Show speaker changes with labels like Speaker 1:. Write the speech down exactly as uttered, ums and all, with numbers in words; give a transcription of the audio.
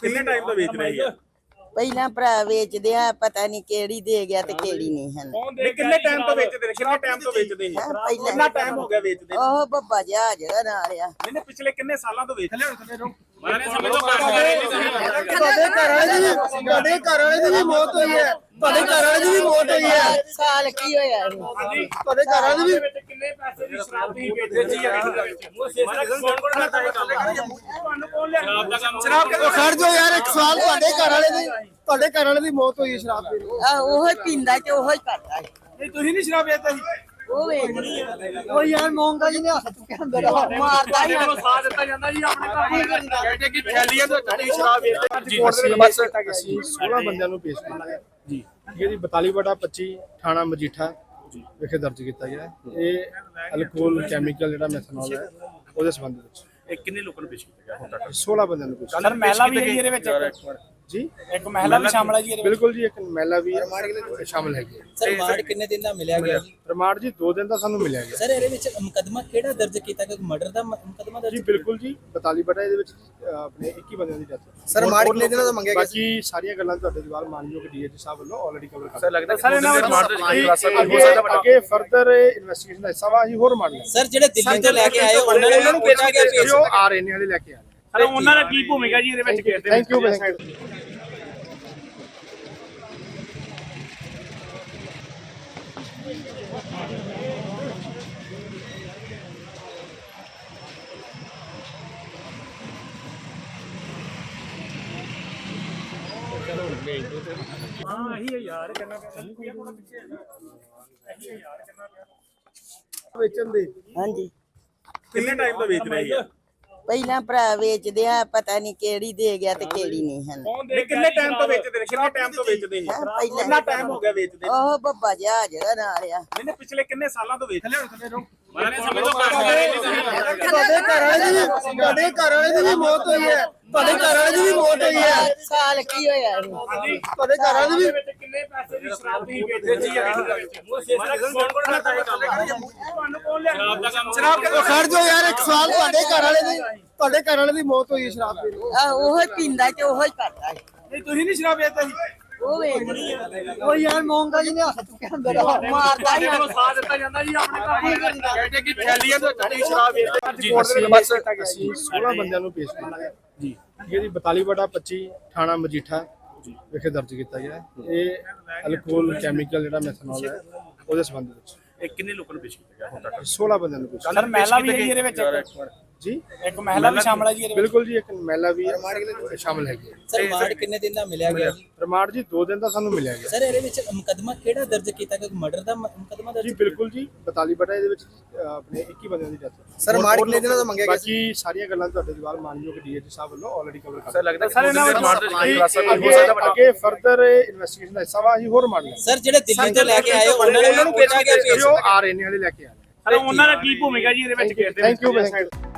Speaker 1: ਕਿੰਨੇ ਟਾਈਮ ਤੋਂ ਵੇਚ ਰਹੇ ਆ?
Speaker 2: ਪਹਿਲਾਂ ਭਰਾ ਵੇਚਦੇ ਆ, ਪਤਾ ਨਹੀਂ ਕਿਹੜੀ ਦੇ ਗਿਆ ਤੇ ਕਿਹੜੀ ਨਹੀਂ ਹਨ।
Speaker 1: ਨਹੀਂ ਕਿੰਨੇ ਟਾਈਮ ਤੋਂ ਵੇਚਦੇ ਨੇ? ਕਿੰਨੇ ਟਾਈਮ ਤੋਂ ਵੇਚਦੇ ਸੀ?
Speaker 2: ਪਹਿਲਾਂ
Speaker 1: ਕਿੰਨਾ ਟਾਈਮ ਹੋ ਗਿਆ ਵੇਚਦੇ?
Speaker 2: ਉਹ ਬੱਬਾ ਜਹਾਜ਼ ਦਾ ਨਾਲ ਆ।
Speaker 1: ਨਹੀਂ ਪਿਛਲੇ ਕਿੰਨੇ ਸਾਲਾਂ ਤੋਂ ਵੇਚ ਰਹੇ ਹੋ? ਮਾਰੇ ਸਮੇਂ ਤੋਂ
Speaker 3: ਤੁਹਾਡੇ ਘਰ ਵਾਲੇ ਦੀ ਤੁਹਾਡੇ ਘਰ ਵਾਲੇ ਦੀ ਵੀ ਮੌਤ ਹੋਈ ਹੈ, ਤੁਹਾਡੇ ਘਰ ਵਾਲੇ ਦੀ ਵੀ ਮੌਤ ਹੋਈ ਹੈ।
Speaker 2: ਸਾਲ ਕੀ ਹੋਇਆ ਇਹਨੂੰ?
Speaker 3: ਤੁਹਾਡੇ ਘਰ ਵਾਲੇ ਦੀ ਵੀ
Speaker 1: ਕਿੰਨੇ ਪੈਸੇ ਦੀ ਸ਼ਰਾਬ ਤੁਸੀਂ ਵੇਚਦੇ ਸੀ? ਕੌਣ ਕੌਣ ਕਰਦਾ ਹੈ ਗੱਲ? ਤੁਹਾਨੂੰ ਕੌਣ ਲਿਆ ਸ਼ਰਾਬ ਦਾ ਕੰਮ?
Speaker 3: ਸ਼ਰਾਬ ਕਿਉਂ ਖੜ ਜਾਓ ਯਾਰ, ਇੱਕ ਸਵਾਲ ਤੁਹਾਡੇ ਘਰ ਵਾਲੇ ਦੀ ਤੁਹਾਡੇ ਘਰ ਵਾਲੇ ਦੀ ਮੌਤ ਹੋਈ ਹੈ ਸ਼ਰਾਬ ਪੀ ਕੇ।
Speaker 2: ਆ ਉਹ ਹੀ ਪੀਂਦਾ ਤੇ ਉਹ ਹੀ ਕਰਦਾ ਹੈ।
Speaker 3: ਨਹੀਂ ਤੁਸੀਂ ਨਹੀਂ ਸ਼ਰਾਬ ਵੇਚਦੇ ਸੀ?
Speaker 2: ਉਹ ਵੇਚਦੀ ਆ।
Speaker 3: ਉਹ ਯਾਰ ਮੌਂਗਾ ਜੀ ਨੇ ਹੱਥ ਚੁੱਕਿਆ ਅੰਦਰ
Speaker 2: ਮਾਰਦਾ ਹੀ
Speaker 1: ਨੂੰ ਸਾਥ ਦਿੱਤਾ ਜਾਂਦਾ ਜੀ ਆਪਣੇ ਘਰ ਕਹਿੰਦੇ ਕਿ ਥੈਲੀਆਂ ਤੋਂ ਚੜੀ ਸ਼ਰਾਬ ਵੇਚਦੇ।
Speaker 4: ਅਸੀਂ सोलह ਬੰਦਿਆਂ ਨੂੰ ਪੇਸ਼ ਕੀਤਾ ਜੀ। ਇਹਦੀ ਬਤਾਲੀ ਬਟਾ ਪੱਚੀ ਥਾਣਾ ਮਜੀਠਾ ਵਿਖੇ ਦਰਜ ਕੀਤਾ ਗਿਆ। ਇਹ ਅਲਕੋਹਲ ਕੈਮੀਕਲ ਜਿਹੜਾ ਮੈਥਨੋਲ ਹੈ ਉਹਦੇ ਸੰਬੰਧ ਵਿੱਚ
Speaker 1: ਇਹ ਕਿੰਨੇ ਲੋਕਾਂ ਨੂੰ ਪੇਸ਼ ਕੀਤਾ ਗਿਆ ਹੁਣ ਤੱਕ?
Speaker 4: सोलह ਬੰਦਿਆਂ ਨੂੰ ਪੇਸ਼
Speaker 1: ਸਰ ਮਹਿਲਾ ਵੀ ਹੈ ਇਹਦੇ ਵਿੱਚ?
Speaker 4: ਜੀ
Speaker 1: ਇੱਕ ਮਹਿਲਾ ਵੀ ਸ਼ਾਮਲ ਹੈ ਜੀ?
Speaker 4: ਬਿਲਕੁਲ ਜੀ, ਇੱਕ ਮਹਿਲਾ ਵੀ ਸ਼ਾਮਲ ਹੈਗੀ ਹੈ।
Speaker 5: ਸਰ ਰਿਮਾਂਡ ਕਿੰਨੇ ਦਿਨ ਦਾ ਮਿਲਿਆ ਗਿਆ ਜੀ?
Speaker 4: ਰਿਮਾਂਡ ਜੀ ਦੋ ਦਿਨ ਦਾ ਸਾਨੂੰ ਮਿਲਿਆ ਗਿਆ
Speaker 5: ਸਰ ਇਹਦੇ ਵਿੱਚ ਮੁਕੱਦਮਾ ਕਿਹੜਾ ਦਰਜ ਕੀਤਾ ਗਿਆ? ਮਰਡਰ ਦਾ ਮ- ਮੁਕੱਦਮਾ ਦਰਜ
Speaker 4: ਜੀ। ਬਿਲਕੁਲ ਜੀ, ਬਤਾਲੀ ਬਟਾ ਇਹਦੇ ਵਿੱਚ ਅ, ਆਪਣੇ ਇੱਕੀ ਬੰਦਿਆਂ ਦੀ ਡੈਥ।
Speaker 3: ਸਰ ਰਿਮਾਂਡ ਕਿੰਨੇ ਦਿਨਾਂ ਦਾ ਮੰਗਿਆ ਗਿਆ?
Speaker 4: ਬਾਕੀ ਸਾਰੀਆਂ ਗੱਲਾਂ ਤੁਹਾਡੇ ਜਵਾਬ ਮਾਨਯੋਗ ਡੀਏਜੀ ਸਾਹਿਬ ਵੱਲੋਂ ਆਲਰੇਡੀ ਕਵਰ ਕਰ
Speaker 1: ਸਰ ਲੱਗਦਾ ਸਰ ਇਹਨਾਂ ਵਿੱਚ
Speaker 4: ਅੱਗੇ ਅੱਗੇ ਫਰਦਰ ਇਨਵੈਸਟੀਗੇਸ਼ਨ ਦਾ ਹਿੱਸਾ ਵਾ ਅਸੀਂ ਹੋਰ ਮੰਨ ਲਾਂਗੇ।
Speaker 5: ਸਰ ਜਿਹੜੇ ਦਿੱਲੀ ਤੋਂ ਲੈ ਕੇ ਆਏ ਉਹਨਾਂ ਨੇ ਉਹਨਾਂ ਨੂੰ ਭੇਜਿਆ ਗਿਆ ਪੇਸ਼?
Speaker 4: ਜੋ ਆ ਰਹੇ ਨੇ ਹਲੇ ਲੈ ਕੇ ਆ ਰਹੇ।
Speaker 1: ਸਰ ਉਹਨਾਂ ਦਾ ਕੀ ਭੂਮਿਕਾ ਜੀ ਇਹਦੇ ਵਿੱਚ ਖੇਡਦੇ?
Speaker 4: Thank you thank you.
Speaker 1: ਹਾਂ ਇਹੀ ਹੈ ਯਾਰ ਕਰਨਾ ਪਿਆ
Speaker 4: ਵੇਚਣ ਦੇ
Speaker 2: ਹਾਂਜੀ।
Speaker 1: ਕਿੰਨੇ ਟਾਈਮ ਤੋਂ ਵੇਚ ਰਹੇ ਆ?
Speaker 2: ਪਹਿਲਾਂ ਭਰਾ ਵੇਚਦੇ ਆ, ਪਤਾ ਨਹੀਂ ਕਿਹੜੀ ਦੇ ਗਿਆ ਤੇ ਕਿਹੜੀ ਨਹੀਂ ਹਨ।
Speaker 1: ਨਹੀਂ ਕਿੰਨੇ ਟਾਈਮ ਤੋਂ ਵੇਚਦੇ ਨੇ? ਕਿੰਨੇ ਟਾਈਮ ਤੋਂ ਵੇਚਦੇ ਸੀ?
Speaker 2: ਪਹਿਲਾਂ
Speaker 1: ਕਿੰਨਾ ਟਾਈਮ ਹੋ ਗਿਆ ਵੇਚਦੇ?
Speaker 2: ਉਹ ਬੱਬਾ ਜਹਾਜ਼ ਦਾ ਨਾਲ ਆ।
Speaker 1: ਨਹੀਂ ਪਿਛਲੇ ਕਿੰਨੇ ਸਾਲਾਂ ਤੋਂ ਵੇਚ ਰਹੇ ਹੋ? ਮਾਰੇ ਸਮੇਂ ਤੋਂ
Speaker 3: ਤੁਹਾਡੇ ਘਰ ਵਾਲੇ ਦੀ ਵੀ ਤੁਹਾਡੇ ਘਰ ਵਾਲੇ ਦੀ ਵੀ ਮੌਤ ਹੋਈ ਹੈ, ਤੁਹਾਡੇ ਘਰ ਵਾਲੇ ਦੀ ਵੀ ਮੌਤ ਹੋਈ ਹੈ।
Speaker 2: ਸਾਲ ਕੀ ਹੋਇਆ ਇਹਨੂੰ?
Speaker 3: ਤੁਹਾਡੇ ਘਰ ਵਾਲੇ ਦੀ ਵੀ
Speaker 1: ਕਿੰਨੇ ਪੈਸੇ ਦੀ ਸ਼ਰਾਬ ਤੁਸੀਂ ਵੇਚਦੇ ਸੀ? ਕੌਣ ਕੌਣ ਕਰਦਾ ਹੈ ਗੱਲ? ਤੁਹਾਨੂੰ ਕੌਣ ਲਿਆ ਸ਼ਰਾਬ ਦਾ ਕੰਮ?
Speaker 3: ਸ਼ਰਾਬ ਕਿਉਂ ਖੜ ਜਾਓ ਯਾਰ, ਇੱਕ ਸਵਾਲ ਤੁਹਾਡੇ ਘਰ ਵਾਲੇ ਦੀ ਤੁਹਾਡੇ ਘਰ ਵਾਲੇ ਦੀ ਮੌਤ ਹੋਈ ਹੈ ਸ਼ਰਾਬ ਪੀ ਕੇ।
Speaker 2: ਆ ਉਹ ਹੀ ਪੀਂਦਾ ਤੇ ਉਹ ਹੀ ਕਰਦਾ ਹੈ।
Speaker 3: ਨਹੀਂ ਤੁਸੀਂ ਨਹੀਂ ਸ਼ਰਾਬ ਵੇਚਦੇ ਸੀ?
Speaker 2: ਉਹ ਵੇਚਦੀ ਆ।
Speaker 3: ਉਹ ਯਾਰ ਮੌਂਗਾ ਜੀ ਨੇ ਹੱਥ ਚੁੱਕਿਆ ਅੰਦਰ
Speaker 2: ਮਾਰਦਾ ਹੀ
Speaker 1: ਨੂੰ ਸਾਥ ਦਿੱਤਾ ਜਾਂਦਾ ਜੀ ਆਪਣੇ ਘਰ ਕਹਿੰਦੇ ਕਿ ਥੈਲੀਆਂ ਤੋਂ ਚੜੀ ਸ਼ਰਾਬ ਵੇਚਦੇ।
Speaker 4: ਅਸੀਂ सोलह ਬੰਦਿਆਂ ਨੂੰ ਪੇਸ਼ ਕੀਤਾ ਜੀ। ਇਹਦੀ ਬਤਾਲੀ ਬਟਾ ਪੱਚੀ ਥਾਣਾ ਮਜੀਠਾ ਵਿਖੇ ਦਰਜ ਕੀਤਾ ਗਿਆ। ਇਹ ਅਲਕੋਹਲ ਕੈਮੀਕਲ ਜਿਹੜਾ ਮੈਥਨੋਲ ਹੈ ਉਹਦੇ ਸੰਬੰਧ ਵਿੱਚ
Speaker 1: ਇਹ ਕਿੰਨੇ ਲੋਕਾਂ ਨੂੰ ਪੇਸ਼ ਕੀਤਾ ਗਿਆ ਹੁਣ ਤੱਕ?
Speaker 4: सोलह ਬੰਦਿਆਂ ਨੂੰ ਪੇਸ਼
Speaker 1: ਸਰ ਮਹਿਲਾ ਵੀ ਹੈ ਇਹਦੇ ਵਿੱਚ?
Speaker 4: ਜੀ।
Speaker 1: ਇੱਕ ਮਹਿਲਾ ਵੀ ਸ਼ਾਮਲ ਹੈ ਜੀ?
Speaker 4: ਬਿਲਕੁਲ ਜੀ, ਇੱਕ ਮਹਿਲਾ ਵੀ ਸ਼ਾਮਲ ਹੈਗੀ ਹੈ।
Speaker 5: ਸਰ ਰਿਮਾਂਡ ਕਿੰਨੇ ਦਿਨ ਦਾ ਮਿਲਿਆ ਗਿਆ ਜੀ?
Speaker 4: ਰਿਮਾਂਡ ਜੀ ਦੋ ਦਿਨ ਦਾ ਸਾਨੂੰ ਮਿਲਿਆ ਗਿਆ।
Speaker 5: ਸਰ ਇਹਦੇ ਵਿੱਚ ਮੁਕੱਦਮਾ ਕਿਹੜਾ ਦਰਜ ਕੀਤਾ ਗਿਆ? ਮਰਡਰ ਦਾ ਮ- ਮੁਕੱਦਮਾ ਦਰਜ
Speaker 4: ਜੀ ਬਿਲਕੁਲ ਜੀ, ਬਤਾਲੀ ਬਟਾ ਇਹਦੇ ਵਿੱਚ ਅ, ਆਪਣੇ ਇੱਕੀ ਬੰਦਿਆਂ ਦੀ ਡੈਥ।
Speaker 3: ਸਰ ਰਿਮਾਂਡ ਕਿੰਨੇ ਦਿਨਾਂ ਦਾ ਮੰਗਿਆ ਗਿਆ?
Speaker 4: ਬਾਕੀ ਸਾਰੀਆਂ ਗੱਲਾਂ ਤੁਹਾਡੇ ਜਵਾਬ ਮਾਨਯੋਗ ਡੀਏਜੀ ਸਾਹਿਬ ਵੱਲੋਂ ਆਲਰੇਡੀ ਕਵਰ ਕਰ
Speaker 1: ਸਰ ਲੱਗਦਾ ਸਰ ਇਹਨਾਂ ਵਿੱਚ
Speaker 4: ਅੱਗੇ ਅੱਗੇ ਫਰਦਰ ਇਨਵੈਸਟੀਗੇਸ਼ਨ ਦਾ ਹਿੱਸਾ ਵਾ ਅਸੀਂ ਹੋਰ ਮੰਨ ਲਾਂਗੇ।
Speaker 5: ਸਰ ਜਿਹੜੇ ਦਿੱਲੀ ਤੋਂ ਲੈ ਕੇ ਆਏ ਉਹਨਾਂ ਨੇ ਉਹਨਾਂ ਨੂੰ ਭੇਜਿਆ ਗਿਆ ਪੇਸ਼?
Speaker 4: ਜੋ ਆ ਰਹੇ ਨੇ ਹਲੇ ਲੈ ਕੇ ਆ ਰਹੇ।
Speaker 1: ਸਰ ਉਹਨਾਂ ਦਾ ਕੀ ਭੂਮਿਕਾ ਜੀ ਇਹਦੇ ਵਿੱਚ ਖੇਡਦੇ?
Speaker 4: Thank you thank you.